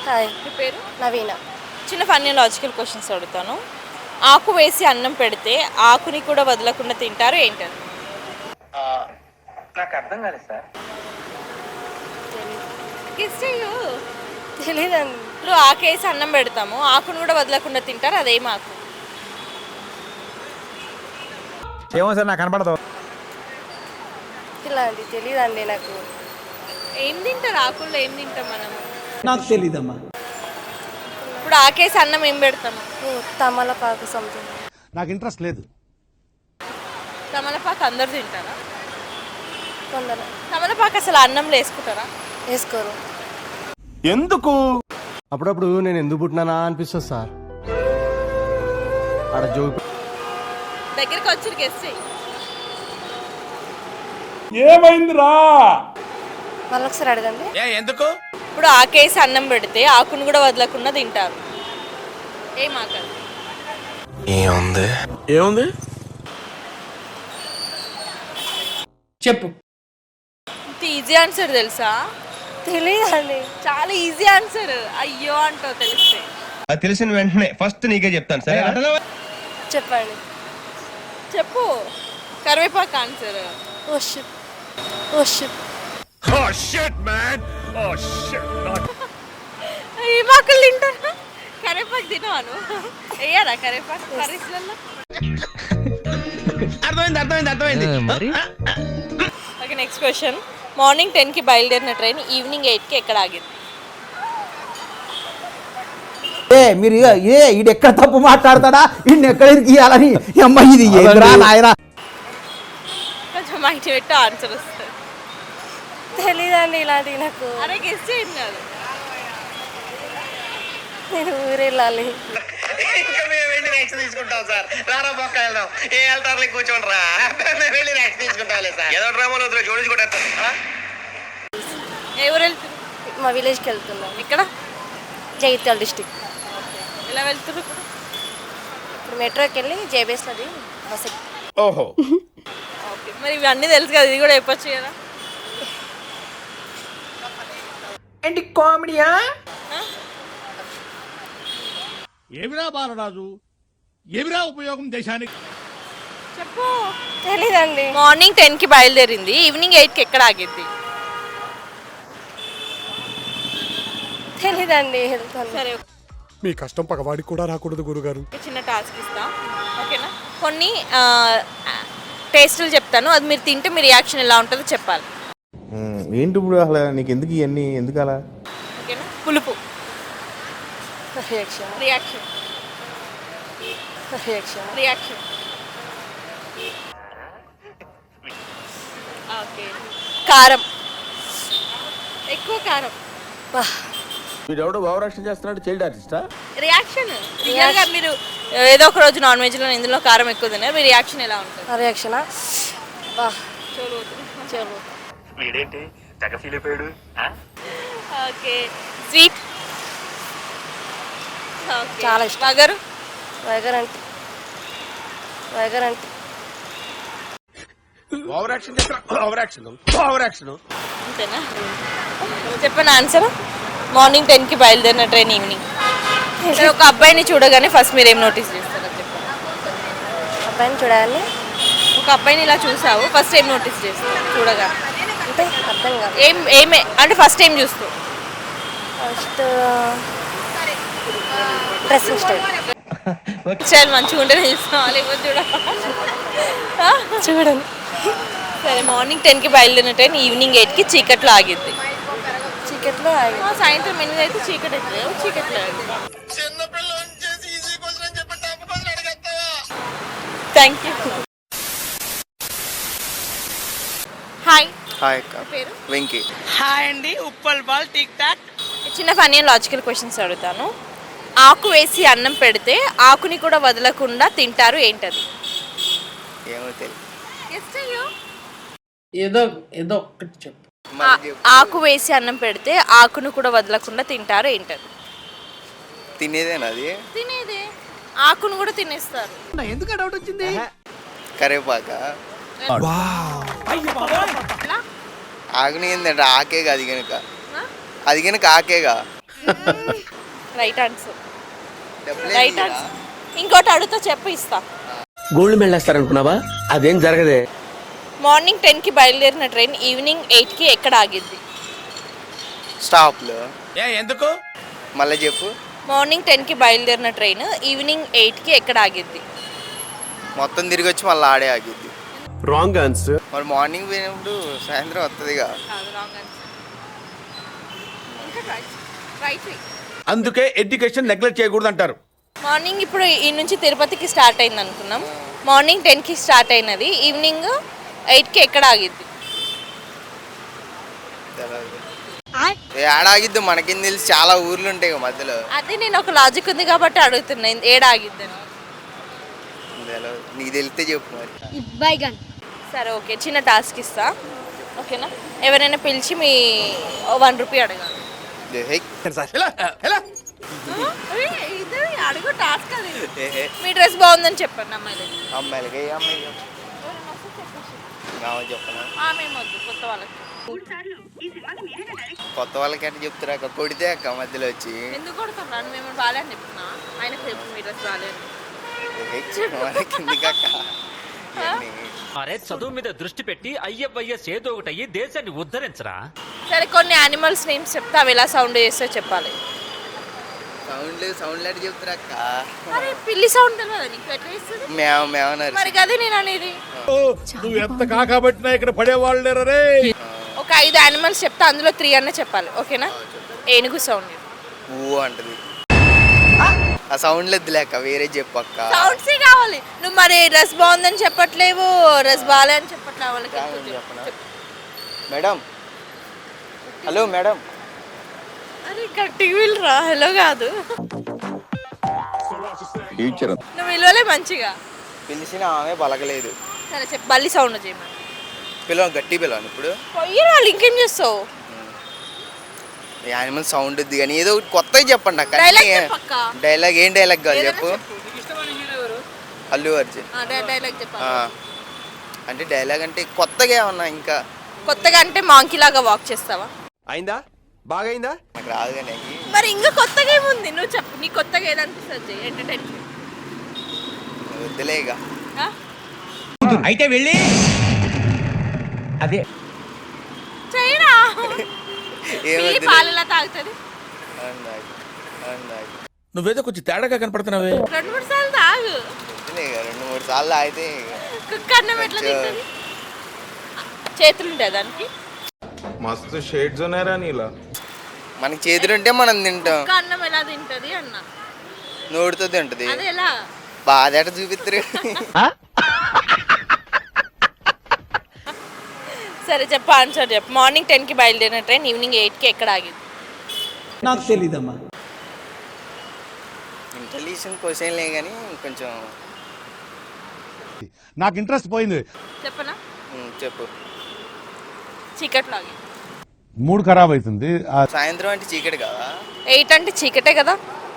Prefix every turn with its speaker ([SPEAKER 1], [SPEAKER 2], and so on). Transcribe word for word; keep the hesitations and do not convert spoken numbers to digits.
[SPEAKER 1] Hi.
[SPEAKER 2] మీ పేరు?
[SPEAKER 1] నవీన.
[SPEAKER 2] చిన్న funny logical questions అడుగుతాను. ఆకు వేసి అన్నం పెడితే ఆకుని కూడా వదలకుండా తింటారు ఏంటది?
[SPEAKER 3] నాకు అర్థం కాలేదు సార్.
[SPEAKER 1] తెలీదండి.
[SPEAKER 2] ఇప్పుడు ఆకు వేసి అన్నం పెడతాము, ఆకుని కూడా వదలకుండా తింటారు, అదేం ఆకు?
[SPEAKER 4] ఏమో సార్ నాకు కనపడదు.
[SPEAKER 1] ఇలాంటి తెలీదండి నాకు.
[SPEAKER 2] ఏం తింటారు ఆకుల్లో? ఏం తింటాం మనం?
[SPEAKER 5] నాకు తెలీదమ్మా.
[SPEAKER 2] ఇప్పుడు ఆకేసి అన్నం ఏం పెడతాము?
[SPEAKER 1] తమలపాకు సంథింగ్.
[SPEAKER 5] నాకు ఇంట్రెస్ట్ లేదు.
[SPEAKER 2] తమలపాకు అందరు తింటారా?
[SPEAKER 1] కొందరు
[SPEAKER 2] తమలపాకు అసలు అన్నంలో వేసుకుంటారా?
[SPEAKER 1] వేసుకోరు.
[SPEAKER 6] ఎందుకు?
[SPEAKER 7] అప్పుడప్పుడు నేను ఎందుకు పుట్టినానా అనిపిస్తుంది సార్. ఆడ జోక్
[SPEAKER 2] దగ్గరికి వచ్చి గెస్ట్ చెయ్యి.
[SPEAKER 6] ఏమైందిరా?
[SPEAKER 1] మళ్ళీ ఒకసారి అడగండి.
[SPEAKER 6] ఎందుకు?
[SPEAKER 2] ఇప్పుడు ఆకేసి అన్నం పెడితే ఆకును కూడా వదలకుండా తింటారు, ఏం ఆకలి?
[SPEAKER 6] ఏముంది ఏముంది
[SPEAKER 5] చెప్పు.
[SPEAKER 2] ఈజీ ఆన్సర్ తెలుసా?
[SPEAKER 1] తెలీదండి.
[SPEAKER 2] చాలా ఈజీ ఆన్సర్. అయ్యో అంటావు తెలిస్తే.
[SPEAKER 7] అది తెలిసిన వెంటనే ఫస్ట్ నీకే చెప్తాను సరే.
[SPEAKER 1] చెప్పండి.
[SPEAKER 2] చెప్పు. కరివేపాకు answer.
[SPEAKER 1] Oh shit. Oh shit.
[SPEAKER 6] Oh shit man. Oh shit.
[SPEAKER 2] ఏం ఆకులు తింటారా? కరివేపాకు తినవాను? వేయరా కరివేపాకు కర్రీస్లలో?
[SPEAKER 6] అర్థమైంది అర్థమైంది అర్థమైంది మరి.
[SPEAKER 2] Okay, next question. మార్నింగ్ టెన్కి బయలుదేరిన ట్రైన్ ఈవినింగ్ ఎయిట్కి ఎక్కడ ఆగింది?
[SPEAKER 5] ఏ మీరు ఏ ఈడు ఎక్కడ తప్పు మాట్లాడతాడా, ఈయన ఎక్కడ ఇయ్యాలని అమ్మ ఇది ఏంద్రా నాయనా.
[SPEAKER 2] కొంచెం మైండ్ పెట్టు, ఆన్సర్ వస్తుంది.
[SPEAKER 1] తెలీదండి ఇలాంటి నాకు.
[SPEAKER 2] అరే గెస్ చేయండి కాదు.
[SPEAKER 1] నేను ఊరు వెళ్ళాలి.
[SPEAKER 3] ఇంకా మేము వెళ్ళి నెక్స్ట్ తీసుకుంటాం సార్. రారా పక్క వెళ్దాం. ఏ వెళ్తారు కూర్చోండి రా. మేము వెళ్ళి నెక్స్ట్ తీసుకుంటాం సార్. ఏదో డ్రామాలో జోడించుకుంటారు.
[SPEAKER 2] ఏ ఊరు వెళ్తుంది?
[SPEAKER 1] మా విలేజ్కి వెళ్తున్నాం.
[SPEAKER 2] ఇక్కడ
[SPEAKER 1] జగిత్యాల డిస్టిక్.
[SPEAKER 2] ఎలా వెళ్తున్నారు ఇప్పుడు?
[SPEAKER 1] ఇప్పుడు మెట్రోకి వెళ్ళి జేబీఎస్లోది బస్ ఎక్కి.
[SPEAKER 6] ఓహో.
[SPEAKER 2] ఓకే, మరి ఇవన్నీ తెలుసు కదా, ఇది కూడా చెప్పొచ్చు కదా.
[SPEAKER 5] ఏంటి కామెడీయా?
[SPEAKER 6] ఏమిరా బాలరాజు, ఏమిరా ఉపయోగం దేశానికి?
[SPEAKER 2] చెప్పు.
[SPEAKER 1] తెలీదండి.
[SPEAKER 2] మార్నింగ్ టెన్కి బయలుదేరింది, ఈవినింగ్ ఎయిట్కి ఎక్కడ ఆగిద్ది?
[SPEAKER 1] తెలీదండి. వెళ్తాను.
[SPEAKER 2] సరే,
[SPEAKER 8] మీ కష్టం పగవాడికి కూడా రాకూడదు గురుగారు.
[SPEAKER 2] చిన్న టాస్క్ ఇస్తా, ఓకేనా? కొన్ని టేస్టులు చెప్తాను, అది మీరు తింటే మీ రియాక్షన్ ఎలా ఉంటుందో చెప్పాలి.
[SPEAKER 7] ఏంటి ఇప్పుడు అసలు నీకు ఎందుకు ఇవన్నీ ఎందుకు అలా?
[SPEAKER 2] ఓకేనా? పులుపు.
[SPEAKER 1] Reaction.
[SPEAKER 2] Reaction.
[SPEAKER 1] Reaction.
[SPEAKER 2] Reaction. Okay. కారం. ఎక్కువ కారం.
[SPEAKER 7] వీడెవడో భావరక్షణ చేస్తున్నాడు, చైల్డ్ ఆర్టిస్టా?
[SPEAKER 2] రియాక్షన్. రియల్గా మీరు ఏదో ఒక రోజు నాన్ వెజ్లో ఇందులో కారం ఎక్కువ తిన్నారు, మీ రియాక్షన్ ఎలా ఉంటుంది?
[SPEAKER 1] రియాక్షనా? బా
[SPEAKER 2] చలో
[SPEAKER 1] చలో.
[SPEAKER 3] వీడేంటి తెగ ఫీల్ అయిపోయాడు.
[SPEAKER 2] ఓకే. స్వీట్.
[SPEAKER 1] చాలా ఇష్టం.
[SPEAKER 2] వగరు.
[SPEAKER 1] వైగర్ అంటే వైగర్ అంటే
[SPEAKER 6] ఓవరాక్షన్ చేస్తున్నా. ఓవరాక్షన్ ఓవరాక్షన్
[SPEAKER 2] అంతేనా? చెప్పండి ఆన్సర్. మార్నింగ్ టెన్కి బయలుదేరిన ట్రైన్ ఈవినింగ్. ఒక అబ్బాయిని చూడగానే ఫస్ట్ మీరు ఏం నోటీస్ చేస్తారో చెప్పండి.
[SPEAKER 1] అబ్బాయిని చూడాలని.
[SPEAKER 2] ఒక అబ్బాయిని ఇలా చూసావు, ఫస్ట్ ఏం నోటీస్ చేస్తావు చూడగా?
[SPEAKER 1] అంటే అర్థం కాదు.
[SPEAKER 2] ఏం ఏమే అంటే ఫస్ట్ ఏం చూస్తావు?
[SPEAKER 1] First dressing style.
[SPEAKER 2] స్టైల్ మంచిగా ఉంటేనే చూస్తావా, లేకపోతే చూడ
[SPEAKER 1] చూడండి.
[SPEAKER 2] సరే, మార్నింగ్ టెన్కి బయలుదేరిన ట్రైన్ ఈవినింగ్ ఎయిట్కి చీకట్లో ఆగిద్ది.
[SPEAKER 1] చీకట్లో ఆగి.
[SPEAKER 2] సాయంత్రం ఎనిమిది అయితే చీకటి అవుతుంది, చీకట్లో ఆగిద్ది. Thank you. హాయ్.
[SPEAKER 3] హాయ్
[SPEAKER 2] పేరు?
[SPEAKER 3] వెంకీ.
[SPEAKER 5] హాయ్ అండి. Uppal ball tick tock.
[SPEAKER 2] చిన్న ఫన్నీ లాజికల్ క్వశ్చన్స్ అడుగుతాను. ఆకు వేసి అన్నం పెడితే ఆకుని కూడా వదలకుండా తింటారు, ఏంటది?
[SPEAKER 3] ఏమో తెలియదు.
[SPEAKER 5] ఏదో ఏదో ఒక్కటి చెప్పు.
[SPEAKER 2] ఆకు వేసి అన్నం పెడితే ఆకును కూడా వదలకుండా తింటారు, ఏంటది?
[SPEAKER 3] తినేదేనా అది?
[SPEAKER 2] తినేదే. ఆకును కూడా తినేస్తారు.
[SPEAKER 5] ఎందుకు డౌట్ వచ్చింది?
[SPEAKER 3] కరివేపాక. ఆకుని ఏంటంటే ఆకేగా, అది కనుక అది కనుక ఆకేగా.
[SPEAKER 2] రైట్ ఆన్సర్ రైట్ ఆన్సర్ ఇంకోటి అడుగుతా చెప్పు ఇస్తా.
[SPEAKER 3] గోల్డ్ మెడల్ వేస్తారనుకున్నావా? అదేం జరగదే.
[SPEAKER 2] మార్నింగ్ టెన్కి బయలుదేరిన ట్రైన్ ఈవినింగ్ ఎయిట్కి ఎక్కడ ఆగిద్ది?
[SPEAKER 9] స్టాప్లో.
[SPEAKER 3] ఏ ఎందుకు?
[SPEAKER 9] మళ్ళీ చెప్పు.
[SPEAKER 2] మార్నింగ్ టెన్కి బయలుదేరిన ట్రైన్ ఈవినింగ్ ఎయిట్కి ఎక్కడ ఆగిద్ది?
[SPEAKER 9] మొత్తం తిరిగి వచ్చి మళ్ళీ ఆడే ఆగిద్ది.
[SPEAKER 6] Wrong answer.
[SPEAKER 9] మరి మార్నింగ్ పోయినప్పుడు సాయంత్రం వస్తుందిగా.
[SPEAKER 3] అందుకే ఎడ్యుకేషన్ నెగ్లెక్ట్ చేయకూడదు అంటారు.
[SPEAKER 2] మార్నింగ్ ఇప్పుడు ఈ నుంచి తిరుపతికి స్టార్ట్ అయింది అనుకున్నాం. మార్నింగ్ టెన్కి స్టార్ట్ అయినది ఈవినింగ్ ఎయిట్కి ఎక్కడ ఆగిద్ది?
[SPEAKER 9] ఏడ ఆగిద్ది మనకేం తెలిసి, చాలా ఊర్లు ఉంటాయి కదా మధ్యలో.
[SPEAKER 2] అదే నేను ఒక లాజిక్ ఉంది కాబట్టి అడుగుతున్నా ఏడ ఆగిద్ది అని.
[SPEAKER 9] తెలవదు. నీకు తెలిస్తే చెప్పు మరి.
[SPEAKER 2] సరే ఓకే, చిన్న టాస్క్ ఇస్తా ఓకేనా? ఎవరైనా పిలిచి మీ వన్ రూపీ అడగాలి.
[SPEAKER 9] హే.
[SPEAKER 3] ఎలా? ఎలా?
[SPEAKER 2] అడుగు టాస్క్ అది. మీ డ్రెస్ బాగుందని చెప్పండి అమ్మాయిలు.
[SPEAKER 9] అమ్మాయిలకి ఏ అమ్మాయి చెప్పనా?
[SPEAKER 2] మేము వద్దు, కొత్త వాళ్ళకి.
[SPEAKER 9] కొత్త వాళ్ళకి అంటే చెప్తారా అక్క? కొడితే అక్క మధ్యలో వచ్చి
[SPEAKER 2] ఎందుకు కొడుతున్నాను? మేము బాగాలేని చెప్తున్నా, ఆయనకు చెప్పు మీ డ్రెస్ బాగాలేదు.
[SPEAKER 9] కిందికక్క.
[SPEAKER 10] అరే చదువు మీద దృష్టి పెట్టి అయ్యవయ్య చేదో ఒకటి అయ్యి దేశాన్ని ఉద్ధరించరా.
[SPEAKER 2] సరే కొన్ని యానిమల్స్ నేమ్స్ చెప్తే అవి ఎలా సౌండ్ చేస్తే చెప్పాలి.
[SPEAKER 9] సౌండ్ సౌండ్ లెట్ చెప్తారా అక్క?
[SPEAKER 2] మరి పిల్లి సౌండ్ తెలియదా నీకు? ఎట్లా ఇస్తుంది?
[SPEAKER 9] మేవ మేవన్నారు.
[SPEAKER 2] మరి అదే నేను అనేది.
[SPEAKER 6] నువ్వు ఎంత కాకబట్టినా ఇక్కడ పడేవాళ్ళు లేరు రే.
[SPEAKER 2] ఒక ఐదు యానిమల్స్ చెప్తే అందులో త్రీ అన్న చెప్పాలి ఓకేనా? ఏనుగు సౌండ్.
[SPEAKER 9] ఊ అంటది. ఆ సౌండ్ లేదు లేక వేరే చెప్పు అక్క.
[SPEAKER 2] సౌండ్సే కావాలి. నువ్వు మరి డ్రెస్ బాగుందని చెప్పట్లేవు, డ్రెస్ బాగాలే అని చెప్పట్లేవు వాళ్ళకి.
[SPEAKER 9] చెప్పనా మేడం? Hello madam.
[SPEAKER 2] అరే టీవీలు రా, హలో కాదు. నువ్వు విలువలే మంచిగా.
[SPEAKER 9] పిలిచిన ఆమె పలకలేదు.
[SPEAKER 2] సరే చెప్పు, బల్లి సౌండ్ చేయమని.
[SPEAKER 9] పిలవ గట్టి పిలవను ఇప్పుడు.
[SPEAKER 2] పోయి వాళ్ళు ఇంకేం చేస్తావు?
[SPEAKER 9] యానిమల్ సౌండ్ వద్దు కానీ ఏదో ఒకటి కొత్తగా చెప్పండి అక్క.
[SPEAKER 2] డైలాగ్ చెప్పక్క.
[SPEAKER 9] డైలాగ్ ఏం డైలాగ్ కాదు చెప్పు. అల్లు అర్జున్.
[SPEAKER 2] డైలాగ్ చెప్పాలి.
[SPEAKER 9] అంటే డైలాగ్ అంటే కొత్తగా ఏమన్నా ఇంకా
[SPEAKER 2] కొత్తగా అంటే మాంకీ లాగా వాక్ చేస్తావా?
[SPEAKER 7] అయిందా? బాగా అయిందా?
[SPEAKER 9] నాకు రాదు కానీ.
[SPEAKER 2] మరి ఇంకా కొత్తగా ఏముంది నువ్వు చెప్పు. నీ కొత్తగా ఏదనిపిస్తుంది ఎంటర్టైన్మెంట్?
[SPEAKER 9] వద్దులేగా.
[SPEAKER 5] అయితే వెళ్ళి అదే
[SPEAKER 2] చేయరా.
[SPEAKER 9] ఏమొద్దు.
[SPEAKER 2] పాలలా తాగుతుంది.
[SPEAKER 3] నువ్వేదో కొంచెం తేడాగా కనపడుతున్నావే.
[SPEAKER 2] రెండు మూడు సార్లు తాగు.
[SPEAKER 9] వద్దులేగా, రెండు మూడు సార్లు అయితే
[SPEAKER 2] కుక్క అన్నం ఎట్లా తింటుంది? చేతులు ఉంటాయి దానికి.
[SPEAKER 7] మస్తు షేడ్స్ ఉన్నారా నీలా?
[SPEAKER 9] మనకి చేతులుంటే మనం తింటాం.
[SPEAKER 2] కుక్క అన్నం ఎలా తింటది అన్న?
[SPEAKER 9] నోటితో తింటది.
[SPEAKER 2] అది ఎలా?
[SPEAKER 9] బాధ చూపిస్తారు.
[SPEAKER 2] సరే చెప్పు, ఆన్సర్ చెప్పు. మార్నింగ్ టెన్కి బయలుదేరిన ట్రైన్ ఈవినింగ్ ఎయిట్కి ఎక్కడ ఆగింది?
[SPEAKER 5] నాకు తెలీదమ్మా.
[SPEAKER 9] ఇంటెలిజెంట్ క్వశ్చన్లే కానీ కొంచెం
[SPEAKER 6] నాకు ఇంట్రెస్ట్ పోయింది.
[SPEAKER 2] చెప్పనా?
[SPEAKER 9] ఉమ్, చెప్పు.
[SPEAKER 2] చీకట్లో ఆగింది.
[SPEAKER 6] మూడు ఖరాబ్ అవుతుంది.
[SPEAKER 9] సాయంత్రం అంటే చీకటి కదా.
[SPEAKER 2] ఎయిట్ అంటే చీకటే కదా.